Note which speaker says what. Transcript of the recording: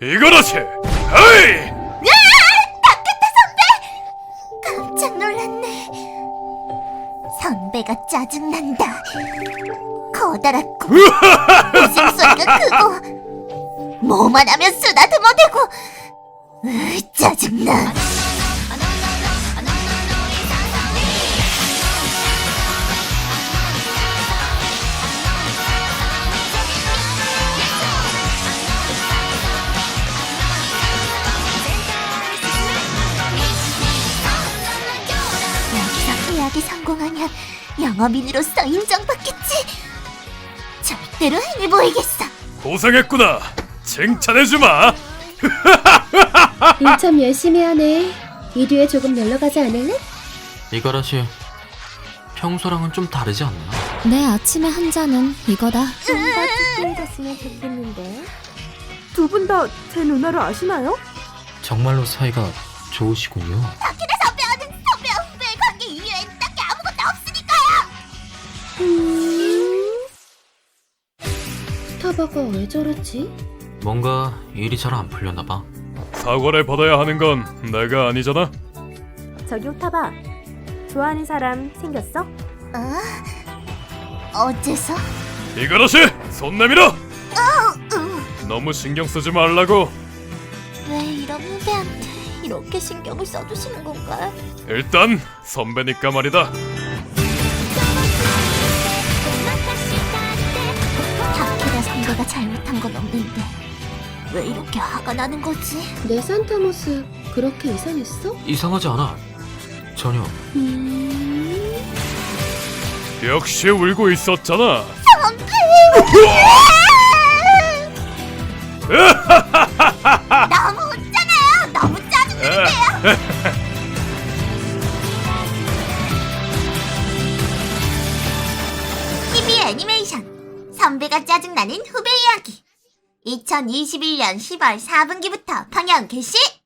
Speaker 1: 이거라시! 헤이!
Speaker 2: 닦겠다 선배! 깜짝 놀랐네. 선배가 짜증난다. 커다랗고 웃음소리가 크고 뭐만 하면 쓰다듬어대고 짜증나. 여기서 계약이 성공하면 영업인으로서 인정받겠지. 절대로 행해 보이겠어.
Speaker 1: 고생했구나. 칭찬해주마.
Speaker 3: 일 참 열심히 하네. 이 뒤에 조금 놀러 가지 않을래?
Speaker 4: 이가라시, 평소랑은 좀 다르지 않나?
Speaker 5: 내 아침에 한 잔은 이거다.
Speaker 3: 좀 더 찌뿌해졌으면 좋겠는데.
Speaker 6: 두 분 다 제 누나를 아시나요?
Speaker 4: 정말로 사이가 좋으시군요.
Speaker 2: 타키네 선배와는 선배와 후배의 관계 이외엔 딱히 아무것도 없으니까요.
Speaker 3: 스타바가 왜 저러지?
Speaker 4: 뭔가 일이 잘 안 풀렸나 봐.
Speaker 1: 사과를 받아야 하는 건 내가 아니잖아.
Speaker 6: 저기 오타바, 좋아하는 사람 생겼어?
Speaker 2: 어째서?
Speaker 1: 이거라시! 손 내밀어! 너무 신경 쓰지 말라고.
Speaker 2: 왜 이런 후배한테 이렇게 신경을 써주시는 건가?
Speaker 1: 일단 선배니까 말이다.
Speaker 2: 타키네 선배가 잘못한 건 없는데 왜 이렇게 화가 나는 거지?
Speaker 3: 내 산타 모습 그렇게 이상했어?
Speaker 4: 이상하지 않아. 전혀.
Speaker 1: 역시 울고 있었잖아.
Speaker 2: 너무 웃잖아요. 너무 짜증나는데요. TV 애니메이션 선배가 짜증나는 후배 이야기 2021년 10월 4분기부터 방영 개시.